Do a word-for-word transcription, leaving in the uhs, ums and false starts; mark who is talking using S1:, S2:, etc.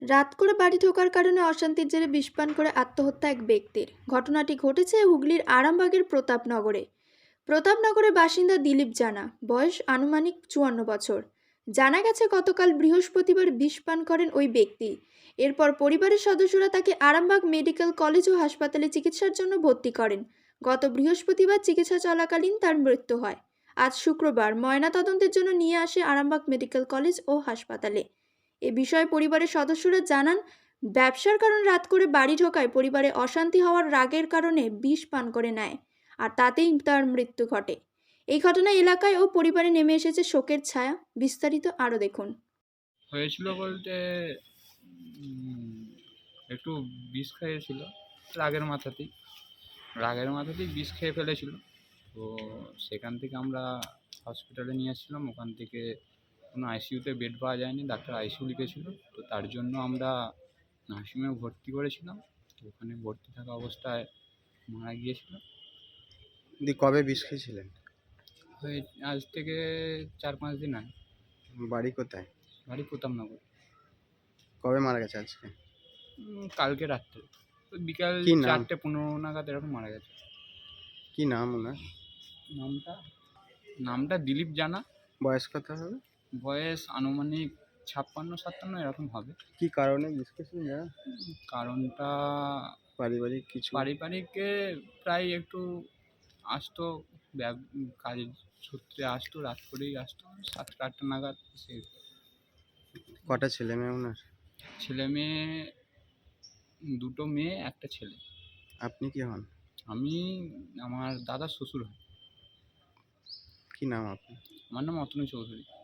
S1: রাত করে বাড়ি ঢোকার কারণে অশান্তির জেরে বিষ পান করে আত্মহত্যা এক ব্যক্তির। ঘটনাটি ঘটেছে হুগলির আরামবাগের প্রতাপনগরে। প্রতাপনগরের বাসিন্দা দিলীপ জানা, বয়স আনুমানিক চুয়ান্ন বছর। জানা গেছে গতকাল বৃহস্পতিবার বিষ পান করেন ওই ব্যক্তি। এরপর পরিবারের সদস্যরা তাকে আরামবাগ মেডিকেল কলেজ ও হাসপাতালে চিকিৎসার জন্য ভর্তি করেন। গত বৃহস্পতিবার চিকিৎসা চলাকালীন তার মৃত্যু হয়। আজ শুক্রবার ময়নাতদন্তের জন্য নিয়ে আসে আরামবাগ মেডিকেল কলেজ ও হাসপাতালে। এ বিষয়ে পরিবারের সদস্যরা জানান, ব্যবসার কারণে রাত করে বাড়ি ঢোকায় পরিবারে অশান্তি হওয়ার রাগের কারণে বিষ পান করে নেয়, আর তাতেই তার মৃত্যু ঘটে। এই ঘটনায় এলাকায় ও পরিবারে নেমে এসেছে শোকের ছায়া। বিস্তারিত আরও দেখুন।
S2: হয়েছিল বলতে উম, একটু বিষ খেয়েছিল রাগের মাথাতেই রাগের মাথাতেই বিষ খেয়ে ফেলেছিল। তো সেখান থেকে আমরা হসপিটালে নিয়ে আসছিলাম। ওখান থেকে কোনো আইসিইউতে বেড পাওয়া যায়নি, ডাক্তার আইসিইউ লিখেছিল। তো তার জন্য আমরা নার্সিংহোমে ভর্তি করেছিলাম। তো ওখানে ভর্তি থাকা অবস্থায় মারা গিয়েছিল।
S3: দি কবে বিষ খেয়েছিলেন?
S2: ওই আজ থেকে চার পাঁচ দিন আগে।
S3: বাড়ি কোথায়?
S2: বাড়ি প্রতাপনগর।
S3: কবে মারা গেছে আজকে?
S2: উম, কালকে রাত্রে ওই বিকাল
S3: কি নাম?
S2: চারটে পনেরো নাগাদ এরকম মারা গেছে।
S3: কি নাম ওনার?
S2: নামটা নামটা দিলীপ জানা।
S3: বয়স কত হবে?
S2: বয়স আনুমানিক ছাপ্পান্ন সাতান্ন এরকম হবে।
S3: কি কারণে বিষ খেয়েছিলেন জানেন?
S2: উম, কারণটা
S3: পারিবারিক কিছু?
S2: পারিবারিকে প্রায় একটু আসতো, ব্যব- কাজের সূত্রে আসতো, রাত করেই আসতো, সাতটা আটটা নাগাদ। সে
S3: কটা ছেলে মেয়ে ওনার?
S2: ছেলে মেয়ে দুটো মেয়ে একটা ছেলে।
S3: আপনি কি হন?
S2: আমি আমার দাদার শ্বশুর হয়।
S3: কি নাম আপনি?
S2: আমার নাম অতনু চৌধুরী।